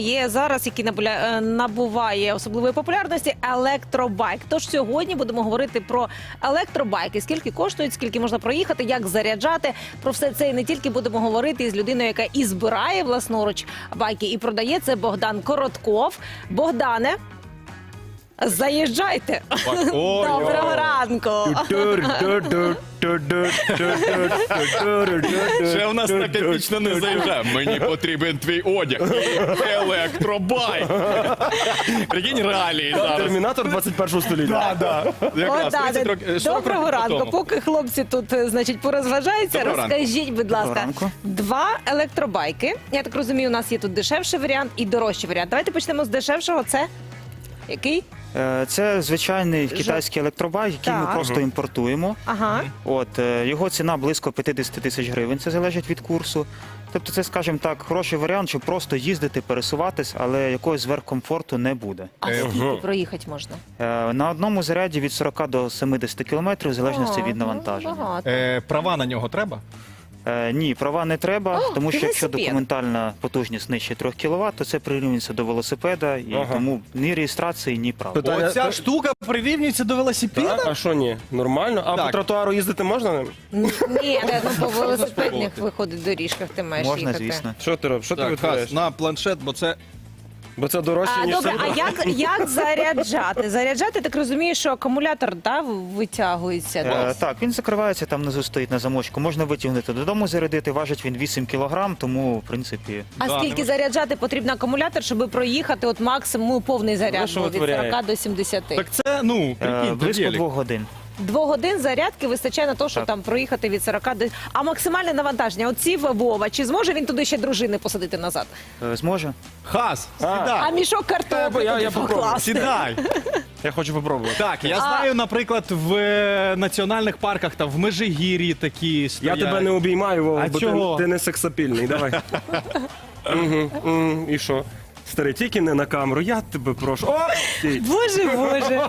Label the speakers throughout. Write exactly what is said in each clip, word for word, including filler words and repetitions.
Speaker 1: Є зараз, який набуля- набуває особливої популярності, електробайк. Тож сьогодні будемо говорити про електробайки. Скільки коштують, скільки можна проїхати, як заряджати. Про все це і не тільки будемо говорити із людиною, яка і збирає власноруч байки, і продає. Це Богдан Коротков. Богдане, заїжджайте.
Speaker 2: Ой,
Speaker 1: Доброго ранку.
Speaker 2: Ще в нас так епічно не заїжджає. Мені потрібен твій одяг. І електробайк. Прикинь, реалії зараз.
Speaker 3: Термінатор двадцять першого століття.
Speaker 2: Да, да. Якраз
Speaker 1: Богдане,
Speaker 2: тридцять років- сорок
Speaker 1: доброго
Speaker 2: років
Speaker 1: ранку.
Speaker 2: тому.
Speaker 1: Поки хлопці тут, значить, порозважаються,
Speaker 2: Доброго ранку.
Speaker 1: розкажіть, будь
Speaker 3: Доброго
Speaker 1: ласка,
Speaker 3: ранку.
Speaker 1: два електробайки. Я так розумію, у нас є тут дешевший варіант і дорожчий варіант. Давайте почнемо з дешевшого. Це який?
Speaker 3: Е, Це звичайний китайський електробайк, який
Speaker 1: Так.
Speaker 3: ми просто імпортуємо.
Speaker 1: Ага.
Speaker 3: От, е, його ціна близько п'ятдесят тисяч гривень, це залежить від курсу. Тобто це, скажімо так, хороший варіант, щоб просто їздити, пересуватись, але якогось зверхкомфорту не буде.
Speaker 1: А скільки проїхати можна?
Speaker 3: Е, На одному заряді від сорока до семидесяти кілометрів, в залежності
Speaker 1: О,
Speaker 3: від
Speaker 1: ну,
Speaker 3: навантаження.
Speaker 1: багато.
Speaker 2: Е, Права на нього треба?
Speaker 3: Е, Ні, права не треба,
Speaker 1: О,
Speaker 3: тому що якщо
Speaker 1: велосипед.
Speaker 3: документальна потужність нижче трьох кіловат, то це прирівнюється до велосипеда, і
Speaker 4: Ага.
Speaker 3: тому ні реєстрації, ні прав.
Speaker 4: Питання-
Speaker 2: Оця штука прирівнюється до велосипеда?
Speaker 4: Так, а що ні? Нормально? А
Speaker 2: Так.
Speaker 4: по тротуару їздити можна ним?
Speaker 1: Ні, ну по велосипедних виходить доріжках ти маєш
Speaker 3: Можна,
Speaker 1: їхати.
Speaker 3: звісно.
Speaker 4: Що ти робиш? Що ти
Speaker 2: Так,
Speaker 4: витворяєш?
Speaker 2: Хас, на планшет, бо це...
Speaker 4: Бо це дорожче,
Speaker 1: А,
Speaker 4: ніж
Speaker 1: добре,
Speaker 4: це.
Speaker 1: а як, як заряджати? Заряджати, так розумію, що акумулятор да, витягується.
Speaker 3: Е, так, він закривається, там внизу стоїть на замочку. Можна витягнути додому, зарядити. Важить він вісім кілограм, тому, в принципі,
Speaker 1: А
Speaker 2: Да,
Speaker 1: скільки
Speaker 2: не
Speaker 1: заряджати потрібно акумулятор, щоб проїхати от максимум повний заряд
Speaker 4: що
Speaker 1: був від
Speaker 4: витворяє?
Speaker 1: сорока до сімдесяти?
Speaker 2: Так це, ну,
Speaker 3: е,
Speaker 2: прикинь, то
Speaker 3: близько
Speaker 2: велик.
Speaker 3: двох годин.
Speaker 1: Двох годин зарядки вистачає на те, щоб
Speaker 3: Так.
Speaker 1: там проїхати від сорока до... А максимальне навантаження, оці Вова, чи зможе він туди ще дружини посадити назад?
Speaker 3: Е, Зможе?
Speaker 2: Хас,
Speaker 1: А
Speaker 2: сідай.
Speaker 1: мішок картоплі
Speaker 4: я-
Speaker 1: туди
Speaker 4: я попробую.
Speaker 1: покласти?
Speaker 2: Сідай.
Speaker 4: Я хочу попробувати.
Speaker 2: Так, я
Speaker 1: А-
Speaker 2: знаю, наприклад, в е, національних парках, там в Межигір'ї такі
Speaker 4: Я
Speaker 2: стоять.
Speaker 4: тебе не обіймаю, Вова,
Speaker 2: А
Speaker 4: бо
Speaker 2: чого?
Speaker 4: ти, ти не сексапільний. Давай. Мгм, мгм. І що? Старий, тільки не на камеру, я тебе прошу. О! стій.
Speaker 1: Боже, боже.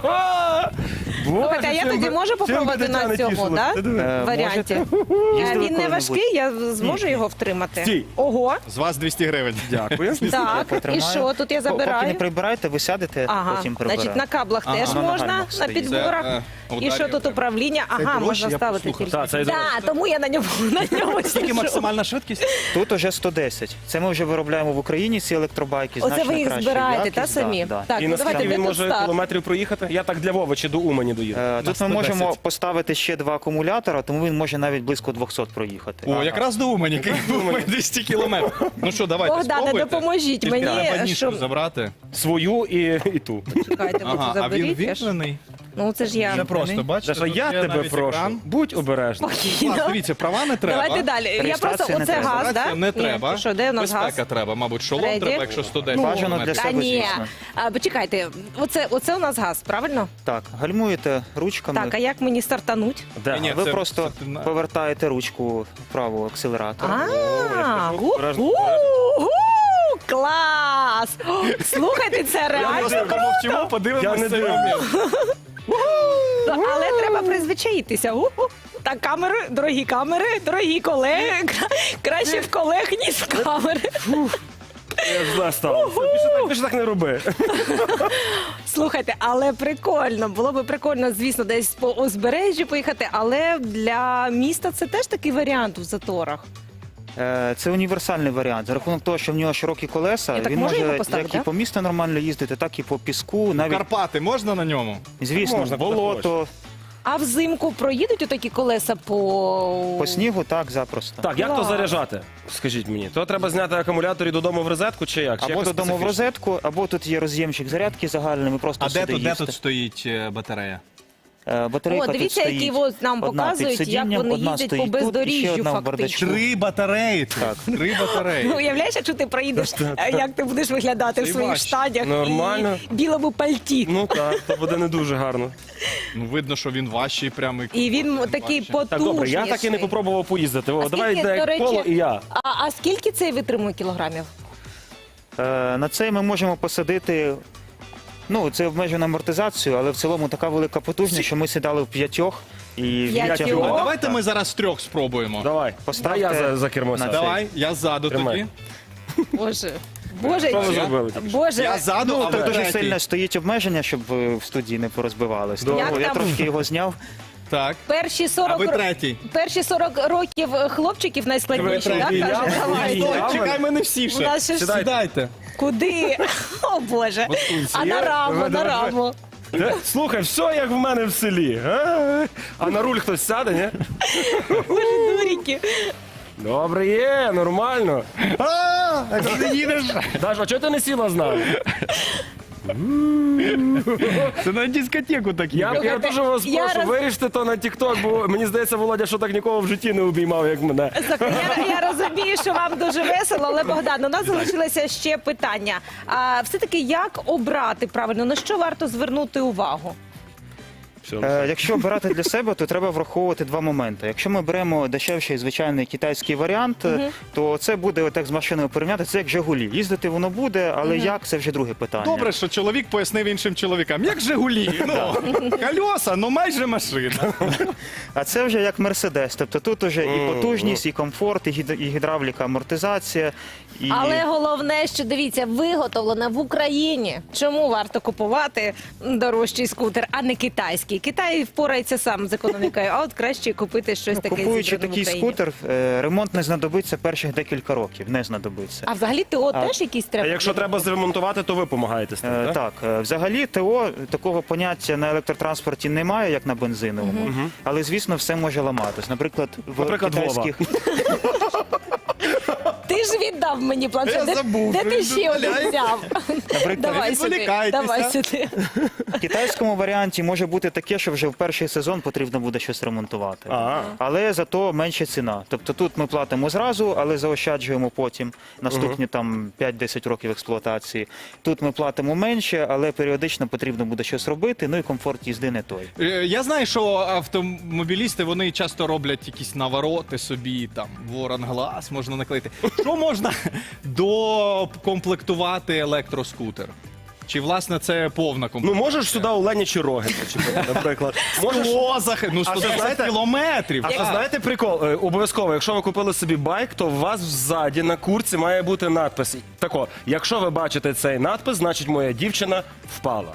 Speaker 4: Боже,
Speaker 1: Слухайте, а я
Speaker 4: чим
Speaker 1: тоді
Speaker 4: би-
Speaker 1: можу
Speaker 4: чим би
Speaker 1: попробувати
Speaker 4: дитя
Speaker 1: на
Speaker 4: не
Speaker 1: цьому,
Speaker 4: тішилось?
Speaker 1: да?
Speaker 4: Ти диви.
Speaker 3: Е,
Speaker 1: Варіанті.
Speaker 3: можете.
Speaker 1: Е,
Speaker 3: Їздили
Speaker 1: Він не
Speaker 3: коли-небудь?
Speaker 1: важкий, я зможу його втримати.
Speaker 4: Стій.
Speaker 1: Ого,
Speaker 2: З вас двісті гривень.
Speaker 4: Дякую.
Speaker 1: так, і
Speaker 3: Потримаю.
Speaker 1: що, тут я
Speaker 3: По- Поки не
Speaker 1: забираю?
Speaker 3: прибираєте, ви сядете,
Speaker 1: Ага,
Speaker 3: потім
Speaker 1: значить
Speaker 3: прибираєте.
Speaker 1: на каблах
Speaker 2: Ага.
Speaker 1: теж
Speaker 3: На
Speaker 1: можна,
Speaker 3: нагальних
Speaker 1: на
Speaker 3: стоїть.
Speaker 1: підборах.
Speaker 2: Це, е,
Speaker 1: І
Speaker 2: ударів
Speaker 1: що тут
Speaker 2: треба.
Speaker 1: управління? Ага,
Speaker 2: дорожче,
Speaker 1: можна
Speaker 2: я
Speaker 1: ставити
Speaker 2: послухав.
Speaker 1: тільки.
Speaker 4: Так, це і дорожче.
Speaker 1: Да, тому я на ньому на ньому
Speaker 2: Скільки
Speaker 1: сиджу.
Speaker 2: максимальна швидкість?
Speaker 3: Тут уже сто десять. Це ми вже виробляємо в Україні, ці електробайки.
Speaker 1: Оце
Speaker 3: значно
Speaker 1: ви їх
Speaker 3: краща
Speaker 1: збираєте, та
Speaker 3: якість,
Speaker 1: самі?
Speaker 3: да, да.
Speaker 1: Так,
Speaker 4: І
Speaker 1: ну
Speaker 4: наскільки
Speaker 1: давайте
Speaker 4: він
Speaker 1: де тут
Speaker 4: може
Speaker 1: старт?
Speaker 4: кілометрів проїхати? Я так для Вови чи до Умані доїду.
Speaker 3: Е, Тут ми
Speaker 2: сто
Speaker 3: можемо
Speaker 2: десять.
Speaker 3: поставити ще два акумулятора, тому він може навіть близько двохсот проїхати.
Speaker 2: О, якраз до Умані, двісті кілометрів. Ну що, давайте,
Speaker 1: Богдане,
Speaker 2: спробуйте.
Speaker 1: допоможіть
Speaker 2: Тільки
Speaker 1: мені,
Speaker 2: треба ніжку
Speaker 1: щоб-
Speaker 2: забрати.
Speaker 4: Свою і, і ту.
Speaker 1: Чекайте, ви
Speaker 2: Ага,
Speaker 1: це
Speaker 2: а він
Speaker 1: заберіть. я ж-
Speaker 2: вімкнений?
Speaker 1: Ну це ж я.
Speaker 2: Це просто, бачите?
Speaker 4: Даша,
Speaker 2: тут
Speaker 4: я
Speaker 2: є
Speaker 4: тебе
Speaker 2: навіть
Speaker 4: прошу.
Speaker 2: екран.
Speaker 4: Будь обережний.
Speaker 1: Спокійно.
Speaker 2: Клас, дивіться, права не треба.
Speaker 1: Давайте далі. Я просто,
Speaker 3: Реєстрація не
Speaker 1: оце
Speaker 3: треба.
Speaker 1: газ,
Speaker 2: Реєстрація
Speaker 1: да?
Speaker 2: не
Speaker 1: Ні,
Speaker 2: треба.
Speaker 1: Що, де у нас газ?
Speaker 2: Безпека треба, мабуть, шолом
Speaker 1: Реді?
Speaker 2: треба, якщо сто десять
Speaker 3: Бажано для
Speaker 2: кілометрів.
Speaker 1: Та
Speaker 3: себе,
Speaker 1: ні.
Speaker 3: звісно.
Speaker 1: А, почекайте, оце, оце у нас газ, правильно?
Speaker 3: Так, гальмуєте ручками.
Speaker 1: Так, а як мені стартануть?
Speaker 4: Да.
Speaker 2: Ні,
Speaker 3: ви
Speaker 2: це-
Speaker 3: просто
Speaker 2: це ти на-
Speaker 3: повертаєте ручку вправо акселератора.
Speaker 1: А,
Speaker 4: кажу,
Speaker 1: гу-
Speaker 4: обережно,
Speaker 1: гу- гу, клас! О, слухайте, це реально.
Speaker 2: Помовчимо,
Speaker 4: Я
Speaker 2: подивимося
Speaker 4: не
Speaker 2: цей
Speaker 4: дивлюсь.
Speaker 2: момент.
Speaker 1: Але треба призвичаїтися. Гу-гу. Так, камери, дорогі камери, дорогі колеги. Кра- Краще в колег, ніж в камери.
Speaker 4: Я ж знаю, стало. Більше так, більше так не роби.
Speaker 1: Слухайте, але прикольно. Було би прикольно, звісно, десь по узбережжю поїхати, але для міста це теж такий варіант в заторах.
Speaker 3: Е, Це універсальний варіант. За рахунок того, що в нього широкі колеса,
Speaker 1: Я так
Speaker 3: він
Speaker 1: можу
Speaker 3: може
Speaker 1: його поставити,
Speaker 3: як і
Speaker 1: да?
Speaker 3: по місту нормально їздити, так і по піску, навіть,
Speaker 2: Карпати можна на ньому?
Speaker 3: звісно,
Speaker 4: Можна, куди
Speaker 3: болото,
Speaker 1: А взимку проїдуть отакі колеса по...
Speaker 3: по снігу, так, запросто.
Speaker 4: Так, як то
Speaker 1: Клас.
Speaker 4: заряджати? Скажіть мені. То треба зняти акумулятор і додому в розетку чи як? Чи
Speaker 3: Або
Speaker 4: якось
Speaker 3: додому в
Speaker 4: специфічно?
Speaker 3: розетку, або тут є роз'ємчик зарядки загальний, ми просто
Speaker 2: А де
Speaker 3: сюди
Speaker 2: тут, де
Speaker 3: їсти.
Speaker 2: тут стоїть е, батарея?
Speaker 3: Е, Батарейка
Speaker 1: О, дивіться,
Speaker 3: тут стоїть.
Speaker 1: які от нам
Speaker 3: одна
Speaker 1: показують,
Speaker 3: під
Speaker 1: як
Speaker 3: сидінням,
Speaker 1: вони
Speaker 3: одна
Speaker 1: їздять по
Speaker 3: стоїть тут, і ще
Speaker 1: бездоріжжю
Speaker 3: одна в
Speaker 1: фактично.
Speaker 3: бардачку.
Speaker 2: Три батареї тут.
Speaker 3: Так.
Speaker 2: Три батареї.
Speaker 1: Ну, уявляєш, якщо ти проїдеш, а як ти будеш виглядати в
Speaker 2: Це
Speaker 1: своїх
Speaker 2: важче.
Speaker 1: штанях
Speaker 4: Нормально.
Speaker 1: і білому пальті.
Speaker 4: Ну так, то буде не дуже гарно.
Speaker 2: Ну, видно, що він важчий прямо.
Speaker 1: І він такий
Speaker 2: важчий.
Speaker 1: потужний.
Speaker 4: Так, добре, я так і не попробував поїздити. О,
Speaker 1: А
Speaker 4: давай
Speaker 1: скільки,
Speaker 4: йде
Speaker 1: до речі,
Speaker 4: коло і я.
Speaker 1: А, а скільки цей витримує кілограмів?
Speaker 3: Е, На цей ми можемо посадити. Ну, це обмежена амортизацію, але в цілому така велика потужність, що ми сідали в п'ятьох і
Speaker 1: П'ятьох?
Speaker 3: відтягнули.
Speaker 2: А давайте ми зараз трьох спробуємо.
Speaker 4: Давай,
Speaker 3: Поставте
Speaker 4: Дай я за, за кермо
Speaker 3: на
Speaker 4: сяду.
Speaker 3: це.
Speaker 2: Давай, я ззаду
Speaker 4: Тримай.
Speaker 2: тоді.
Speaker 1: Боже, Боже,
Speaker 4: Що ви
Speaker 1: чи-
Speaker 4: зробили тільки що?
Speaker 1: Боже,
Speaker 2: Я ззаду,
Speaker 3: Ну,
Speaker 2: а ви
Speaker 3: тут дуже
Speaker 2: третій.
Speaker 3: сильно стоїть обмеження, щоб е, в студії не порозбивались. Тому
Speaker 1: Як
Speaker 3: я
Speaker 1: там?
Speaker 3: трошки його зняв.
Speaker 2: Так.
Speaker 1: перші
Speaker 2: А
Speaker 1: сорок
Speaker 2: ви
Speaker 1: ро-
Speaker 2: третій.
Speaker 1: перші сорок років хлопчиків найскладніші,
Speaker 2: Ви
Speaker 1: так
Speaker 4: третій.
Speaker 1: каже,
Speaker 4: Я-
Speaker 1: давай.
Speaker 4: я-
Speaker 2: Стой, чекай, мене всі
Speaker 1: У
Speaker 2: ще.
Speaker 1: нас ще ж
Speaker 2: Сідайте.
Speaker 1: куди? О Боже. А на
Speaker 4: Є?
Speaker 1: раму,
Speaker 4: Ви-
Speaker 1: на
Speaker 4: ви-
Speaker 1: раму.
Speaker 4: Де? Слухай, все як в мене в селі. А, а на руль хтось сяде, ні?
Speaker 1: Боже, дуріки.
Speaker 4: Добре, є, нормально.
Speaker 2: А, а ти їдеш?
Speaker 4: Даша, а чого ти не сіла з нами?
Speaker 2: Це на дискотеку так
Speaker 4: Я,
Speaker 2: їхав.
Speaker 4: я дуже вас
Speaker 1: Я
Speaker 4: прошу,
Speaker 1: роз-
Speaker 4: виріште то на тік-ток, бо мені здається, Володя, що так нікого в житті не обіймав, як мене.
Speaker 1: Слухай, я, я розумію, що вам дуже весело, але Богдан, у нас залишилося ще питання. А все-таки як обрати правильно, на що варто звернути увагу?
Speaker 3: Е, Якщо обирати для себе, то треба враховувати два моменти. Якщо ми беремо дешевший звичайний китайський варіант, е, то це буде отак з машиною порівняти. Це як Жигулі. Їздити воно буде, але як це вже друге питання.
Speaker 2: Добре, що чоловік пояснив іншим чоловікам. Як Жигулі? Ну, кольоса, ну майже машина.
Speaker 3: А це вже як Мерседес. Тобто тут уже і потужність, і комфорт, і гід- і гідравліка, амортизація. І...
Speaker 1: Але головне, що дивіться, виготовлена в Україні. Чому варто купувати дорожчий скутер, а не китайський? Китай впорається сам з економікою, а от краще купити щось
Speaker 3: Ну,
Speaker 1: таке
Speaker 3: купуючи
Speaker 1: зібране в
Speaker 3: такий
Speaker 1: Україні.
Speaker 3: скутер, е, ремонт не знадобиться перших декілька років. Не знадобиться.
Speaker 1: А взагалі ТО
Speaker 3: А-
Speaker 1: теж якісь
Speaker 4: А
Speaker 1: треба?
Speaker 4: якщо треба зремонтувати, то ви допомагаєте з тим,
Speaker 3: Е,
Speaker 4: так?
Speaker 3: Так, е, взагалі ТО такого поняття на електротранспорті немає, як на бензиновому, але звісно все може ламатись. Наприклад, в
Speaker 4: Наприклад,
Speaker 3: китайських
Speaker 1: Ти ж віддав мені планшет.
Speaker 2: Я
Speaker 1: Де-
Speaker 2: забув,
Speaker 1: Де
Speaker 2: що
Speaker 1: ти
Speaker 2: він
Speaker 1: ще один
Speaker 2: дозволяє.
Speaker 1: взяв?
Speaker 3: Наприклад,
Speaker 1: Давай
Speaker 2: не
Speaker 1: сюди.
Speaker 2: відволікайтеся.
Speaker 1: Давай сюди.
Speaker 3: в китайському варіанті може бути таке, що вже в перший сезон потрібно буде щось ремонтувати.
Speaker 4: А.
Speaker 3: Але зато менша ціна. Тобто тут ми платимо зразу, але заощаджуємо потім наступні там п'ять-десять років експлуатації. Тут ми платимо менше, але періодично потрібно буде щось робити. Ну і комфорт їзди не той.
Speaker 2: Е, Я знаю, що автомобілісти вони часто роблять якісь навороти собі, там ворон глаз можна наклеїти. Що можна докомплектувати електроскутер? Чи власне це повна
Speaker 4: Ну
Speaker 2: комплектація?
Speaker 4: можеш сюди Оленячі роги почепити, наприклад. Можеш...
Speaker 2: Скло зах... ну
Speaker 4: А
Speaker 2: сто
Speaker 4: це,
Speaker 2: двадцять
Speaker 4: знаєте-
Speaker 2: кілометрів.
Speaker 4: А
Speaker 2: так.
Speaker 4: то знаєте прикол? Е, Обов'язково, якщо ви купили собі байк, то у вас ззаді на курці має бути надпис. Тако, якщо ви бачите цей надпис, значить моя дівчина впала.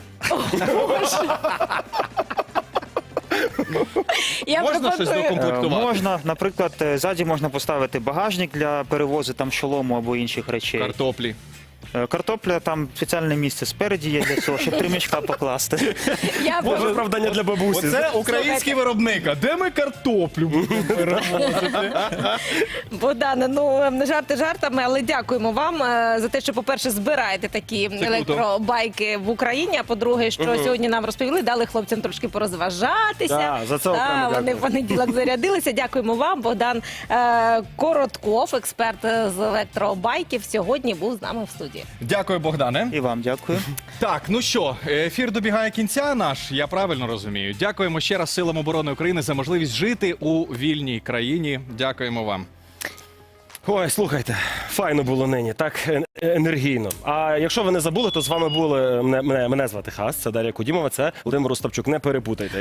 Speaker 1: Я
Speaker 2: Можна щось
Speaker 1: пропоную-
Speaker 3: Е,
Speaker 2: докомплектувати?
Speaker 3: Можна, наприклад, е, ззаді можна поставити багажник для перевозу там шолому або інших речей.
Speaker 2: Картоплі.
Speaker 3: Е, Картопля, там спеціальне місце спереді є для цього, щоб три мішка покласти.
Speaker 1: Я
Speaker 4: Може,
Speaker 1: пропоную-
Speaker 4: виправдання для бабусі.
Speaker 2: Оце український виробник. А де ми картоплю будемо перевозити?
Speaker 1: Богдане, ну не жарти жартами, але дякуємо вам е, за те, що, по-перше, збираєте такі
Speaker 2: круто.
Speaker 1: електробайки в Україні. А по-друге, що сьогодні нам розповіли, дали хлопцям трошки порозважатися.
Speaker 4: Да, за це окремо
Speaker 1: Та, вони
Speaker 4: дякую.
Speaker 1: в понеділок зарядилися. Дякуємо вам. Богдан е, Коротков, експерт з електробайків, сьогодні був з нами в студії.
Speaker 2: Дякую, Богдане.
Speaker 3: І вам дякую.
Speaker 2: Так, ну що, ефір добігає кінця наш, я правильно розумію. Дякуємо ще раз Силам оборони України за можливість жити у вільній країні. Дякуємо вам.
Speaker 4: Ой, слухайте, файно було нині, так е- енергійно. А якщо ви не забули, то з вами були мене, мене, мене звати Хас, це Дар'я Кудімова, це Володимир Остапчук. Не перепутайте.